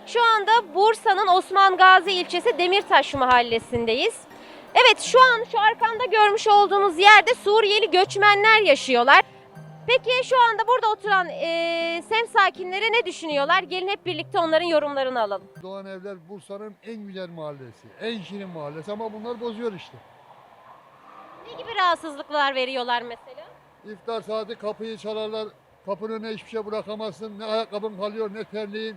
Şu anda Bursa'nın Osman Gazi ilçesi Demirtaş mahallesindeyiz. Evet, şu an şu arkamda görmüş olduğunuz yerde Suriyeli göçmenler yaşıyorlar. Peki şu anda burada oturan semt sakinleri ne düşünüyorlar? Gelin hep birlikte onların yorumlarını alalım. Doğan Evler Bursa'nın en güzel mahallesi, en şirin mahallesi ama bunlar bozuyor işte. Ne gibi rahatsızlıklar veriyorlar mesela? İftar saati kapıyı çalarlar, kapının önüne hiçbir şey bırakamazsın. Ne ayakkabın kalıyor ne terliğin.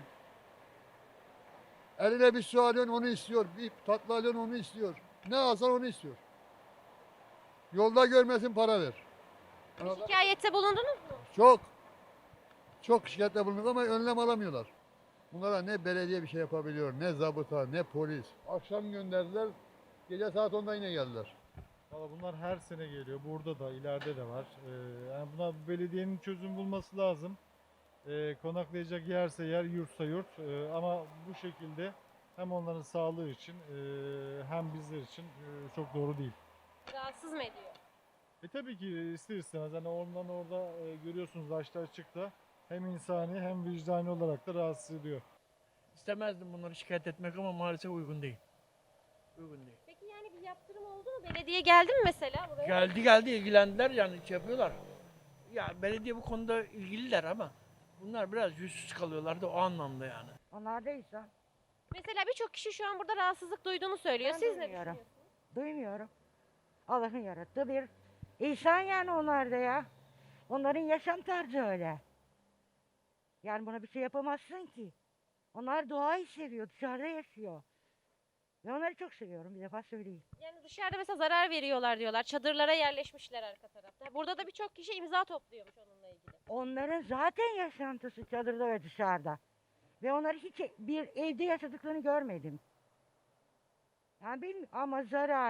Eline bir su alıyorsun onu istiyor, bir tatlı alıyorsun onu istiyor. Ne alsan onu istiyor. Yolda görmesin para ver. Anladın mı? Şikayette bulundunuz mu? Çok, çok şikayette bulunduk ama önlem alamıyorlar. Bunlara ne belediye bir şey yapabiliyor, ne zabıta, ne polis. Akşam gönderdiler, gece saat 10'da yine geldiler. Valla bunlar her sene geliyor. Burada da, ileride de var. Yani buna belediyenin çözüm bulması lazım. Konaklayacak yerse yer, yurtsa yurt. Ama bu şekilde hem onların sağlığı için hem bizler için çok doğru değil. Rahatsız mı ediyor? Tabii ki ister istemez. Hani ondan orada görüyorsunuz açta açıkta. Hem insani hem vicdani olarak da rahatsız ediyor. İstemezdim bunları şikayet etmek ama maalesef uygun değil. Uygun değil. Peki yani bir yaptırım oldu mu? Belediye geldi mi mesela buraya? Geldi ilgilendiler yani şey yapıyorlar. Ya belediye bu konuda ilgililer ama bunlar biraz yüzsüz kalıyorlar da o anlamda yani. Onlar da insan. Mesela birçok kişi şu an burada rahatsızlık duyduğunu söylüyor. Ben Siz ne duymuyorum. düşünüyorsunuz? Duymuyorum. Allah'ın yarattığı bir insan yani onlar da ya. Onların yaşam tarzı öyle. Yani buna bir şey yapamazsın ki. Onlar doğayı seviyor, dışarıda yaşıyor. Ve onları çok seviyorum, bir defa söyleyeyim. Yani dışarıda mesela zarar veriyorlar diyorlar. Çadırlara yerleşmişler arka tarafta. Burada da birçok kişi imza topluyormuş onunla ilgili. Onların zaten yaşantısı çadırda ve dışarıda. Ve onları hiç bir evde yaşadıklarını görmedim. Yani bilmiyorum ama zarar.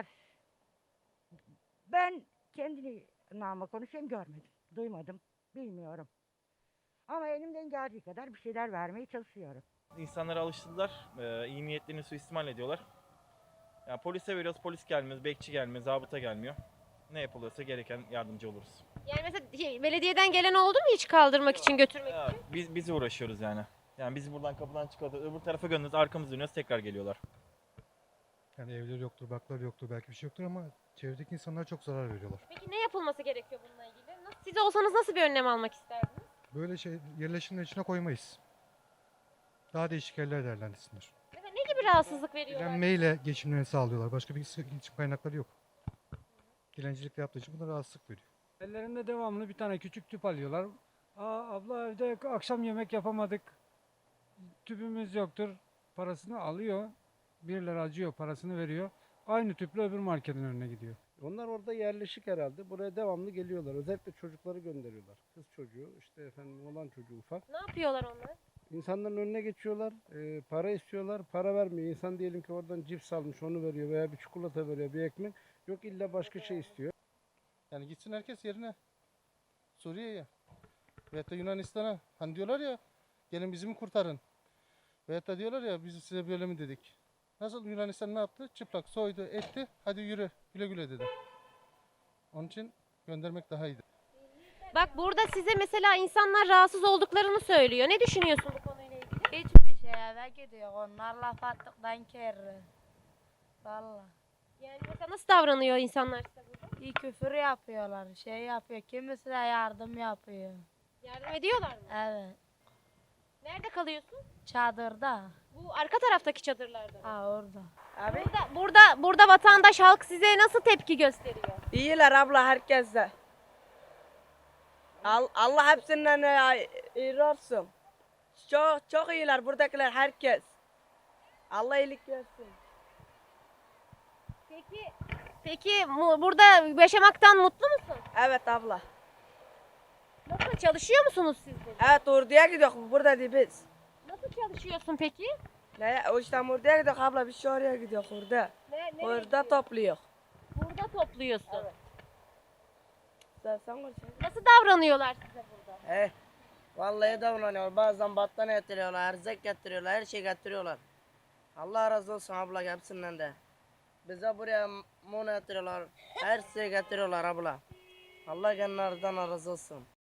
Ben kendi namıma konuşayım görmedim, duymadım, bilmiyorum. Ama elimden geldiği kadar bir şeyler vermeye çalışıyorum. İnsanlara alıştırdılar. İyi niyetlerini suistimal ediyorlar. Yani polise veriyoruz, polis gelmiyor, bekçi gelmiyor, zabıta gelmiyor. Ne yapılıyorsa gereken yardımcı oluruz. Yani mesela belediyeden gelen oldu mu hiç kaldırmak için, götürmek Ya, için? biz uğraşıyoruz yani. Yani bizi buradan kapıdan çıkartıyor, öbür tarafa gönderiyoruz, arkamızı dönüyoruz, tekrar geliyorlar. Yani evleri yoktur, bakları yoktur, belki bir şey yoktur ama çevredeki insanlara çok zarar veriyorlar. Peki ne yapılması gerekiyor bununla ilgili? Siz olsanız nasıl bir önlem almak isterdiniz? Böyle şey yerleşimler içine koymayız. Daha değişik yerler değerlendirsinler. Mesela ne gibi rahatsızlık veriyorlar? Dilenmeyle geçimlerini sağlıyorlar. Başka bir geçim kaynakları yok. Dilencilikle yaptığı için buna rahatsızlık veriyor. Ellerinde devamlı bir tane küçük tüp alıyorlar. Abla evde akşam yemek yapamadık. Tüpümüz yoktur. Parasını alıyor. Birileri acıyor, parasını veriyor. Aynı tüple öbür marketin önüne gidiyor. Onlar orada yerleşik herhalde. Buraya devamlı geliyorlar. Özellikle çocukları gönderiyorlar. Kız çocuğu, işte efendim olan çocuğu ufak. Ne yapıyorlar onlar? İnsanların önüne geçiyorlar. Para istiyorlar. Para vermiyor. İnsan diyelim ki oradan cips almış onu veriyor veya bir çikolata veriyor, bir ekmek. Yok illa başka şey istiyor. Yani gitsin herkes yerine. Suriye'ye. Veyahut da Yunanistan'a. Hani diyorlar ya gelin bizi mi kurtarın. Veyahut da diyorlar ya biz size böyle mi dedik. Nasıl Yunanistan ne yaptı? Çıplak soydu etti. Hadi yürü güle güle dedi. Onun için göndermek daha iyiydi. Bak burada size mesela insanlar rahatsız olduklarını söylüyor. Ne düşünüyorsun bu konuyla ilgili? Hiçbir şey eve gidiyor. Onlar laf attıktan kere. Valla. Yani mesela nasıl davranıyor insanlar size burada? İyi küfür yapıyorlar. Şey yapıyor. Kimisi de yardım yapıyor. Yardım ediyorlar mı? Evet. Nerede kalıyorsun? Çadırda. Bu arka taraftaki çadırlarda mı? Ha orada. Abi Burada vatandaş halk size nasıl tepki gösteriyor? iyiler abla herkese. Allah hepsinden iyi olsun. Çok iyiler buradakiler herkes. Allah iyilik versin. Peki burada yaşamaktan mutlu musun? Evet abla. Nasıl çalışıyor musunuz siz de? Evet orduya gidiyoruz burada değil biz. Nasıl çalışıyorsun peki? Ne? O işte orduya gidiyoruz abla biz şu oraya gidiyoruz orada. Nereye Orada gidiyorsun? topluyor. Burada topluyorsun. Evet. Sen konuş. Nasıl davranıyorlar size burada? Vallahi davranıyorlar. Bazen battaniye getiriyorlar, erzak getiriyorlar, her şey getiriyorlar. Allah razı olsun abla hepsinden de. Bize buraya mum getiriyorlar, her şey getiriyorlar abla. Allah kendilerden razı olsun.